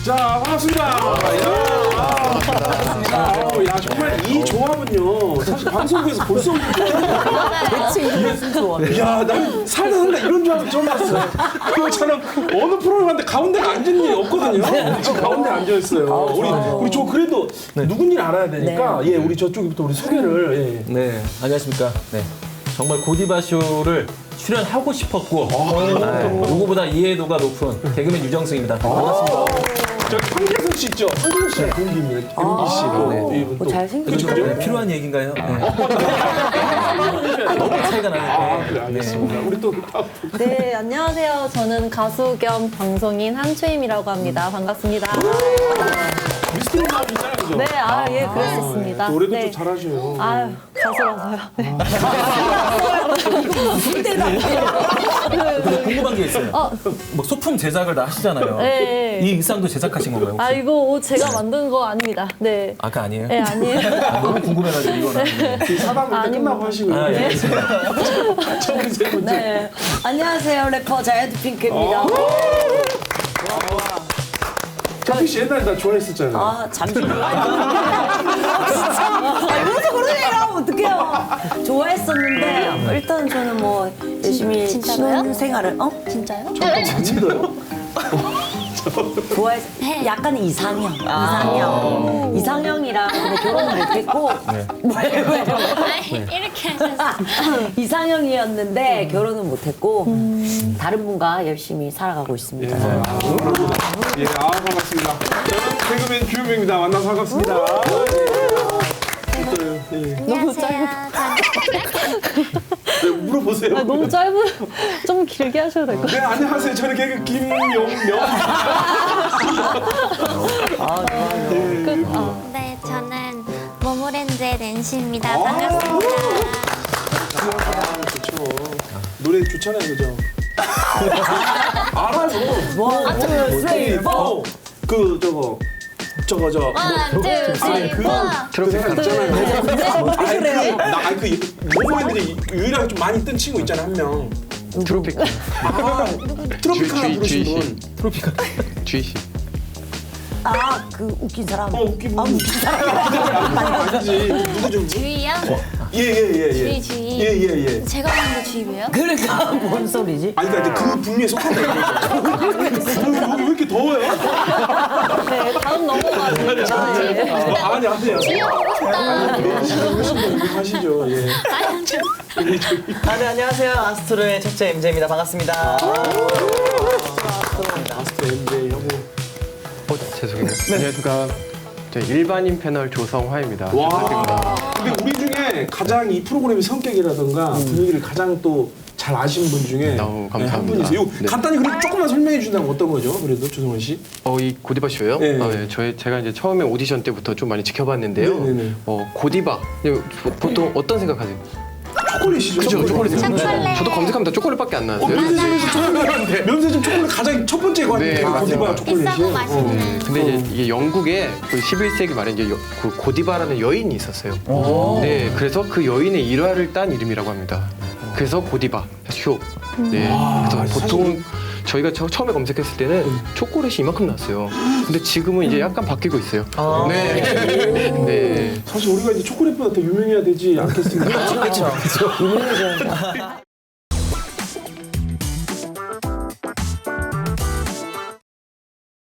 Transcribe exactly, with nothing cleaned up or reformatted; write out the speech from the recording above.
자, 반갑습니다. 야, 반갑습니다. 야, 정말 이 조합은요, 사실 방송국에서 볼 수 없는 조합이에요. 대체 이게 무슨 조합이야? 야, 난 살다 살다 이런 조합을 처음 봤어요. 그것처럼 어느 프로그램 갔는데 가운데 앉은 일이 없거든요. 지금 가운데 앉아있어요. 우리, 우리 저 그래도 누군지 알아야 되니까, 예, 우리 저쪽부터 우리 소개를. 예. 네, 안녕하십니까. 네, 정말 고디바 쇼를 출연하고 싶었고 네, 누구보다 이해도가 높은 개그맨 유정승입니다. 반갑습니다. 저기 황재석 씨 있죠? 황재석 씨 동기입니다. 엠비 씨로. 네. 뭐 잘생기죠? 그죠? 네, 필요한 얘기인가요? 네. 너무 차이가 나는데. 아, 그래, 알겠습니다. 우리 또 네, 안녕하세요. 저는 가수 겸 방송인 한초임이라고 합니다. 반갑습니다. 미스터리 나오시잖아요, 그죠? 네, 아, 예, 그랬었습니다. 노래도 네. 좀 잘하셔요. 아유, 가수라서요. 네. 근데 궁금한 게 있어요. 어. 뭐 소품 제작을 다 하시잖아요. 네. 이 의상도 제작하신 건가요? 혹시? 아, 이거 옷 제가 만든 거 아닙니다. 네. 아, 그 아니에요? 네, 아니에요. 아, 너무 궁금해가지고 이거는. 네. 사담을 때 아니, 끝나고 뭐. 하시고요. 아, 예. 저 우리 세 번째. 네. 안녕하세요. 래퍼 자이언트 핑크입니다. 카피 씨 옛날에 나 좋아했었잖아요. 아, 잠시 진짜. 아, 이러면서 그런 얘기를 하면 어떡해요. 좋아했었는데, 일단 저는 뭐, 열심히 진짜로요? 신혼생활을, 어? 진짜요? 진짜요? 좋아했, 약간의 이상형. 이상형. 이상형이랑 근데 결혼을 못했고, 왜, 왜, 왜? 이렇게 하셨어요. 이상형이었는데 결혼은 못했고, 다른 분과 열심히 살아가고 있습니다. 예, 아 반갑습니다. 저는 개그맨 규명입니다. 만나서 반갑습니다. 어때요? 예. 너무 짧은. 네, 물어보세요. 아, 너무 짧은. 좀 길게 하셔도 될 것 네, 같아요. 안녕하세요. 저는 개그 김용명. 네, 저는 모모랜드의 낸시입니다. 반갑습니다. 아, 좋죠. 노래 좋잖아요, 그죠? 알아요. 원, 투, 쓰리, 포. 그 저거 저거 저. 원, 투, 쓰리, 그, 포. 그 생각 있잖아요. 아니, 그래? 그, 나, 아니, 그, 모모랜드에 유일하게 좀 많이 뜬 친구 있잖아요, 한 명. 트로피카. 아, 트로피카나 주희, 부르신 주희 분. 트로피카. 주희 씨. 아, 그 웃긴 사람. 어, 웃긴 분. 아, 웃긴 사람. 아니지. 누구죠? 주희요? 예, 예, 예, 예. 주희, 주희. 예, 예, 예. 제가 만든 주희예요? 그러니까 뭔 소리지? 아니, 그러니까 이제 그 분류에 속한다, 이거죠. 여기 왜 이렇게 더워요? 네, 다음 넘어가죠. 네. 어, 아니, 아니에요. 보고 싶다. 네, 지금 신분 하시죠, 예. 아, 네, 안녕하세요. 아스트로의 첫째 엠제입니다. 반갑습니다. 마스터 엠제이 하고. 어, 죄송해요. 안녕하십니까. 저 일반인 패널 조성화입니다. 와. 부탁드립니다. 근데 우리 중에 가장 이 프로그램의 성격이라든가 분위기를 가장 또 잘 아시는 분 중에 너무 네, 한 감사합니다. 분이세요. 이거 네. 간단히 그럼 조금만 설명해 주신다면 어떤 거죠? 그래도 조성원 씨. 어, 이 고디바 쇼요? 네. 어, 예. 저희 제가 이제 처음에 오디션 때부터 좀 많이 지켜봤는데요. 네, 네, 네. 어, 고디바. 이거 보통 어떤 생각하세요? 초콜릿이죠. 그죠, 초콜릿. 초콜릿. 저도 검색하면서 초콜릿밖에 안 어, 나왔어요. 면세점에서 초콜릿. 면세점 초콜릿 가장 첫 번째 관이 네, 맞아요. 고디바 초콜릿이에요. 비싸고 맛있는. 근데 이제 이게 영국에 그 십일 세기 말에 이제 여- 그 고디바라는 여인이 있었어요. 네, 그래서 그 여인의 일화를 딴 이름이라고 합니다. 그래서 고디바 쇼. 네, 그래서 보통 저희가 처, 처음에 검색했을 때는 초콜릿이 이만큼 나왔어요. 근데 지금은 이제 약간 바뀌고 있어요. 네, 네. 사실 우리가 이제 초콜릿보다 더 유명해야 되지 않겠습니까? 그렇죠. 유명해져야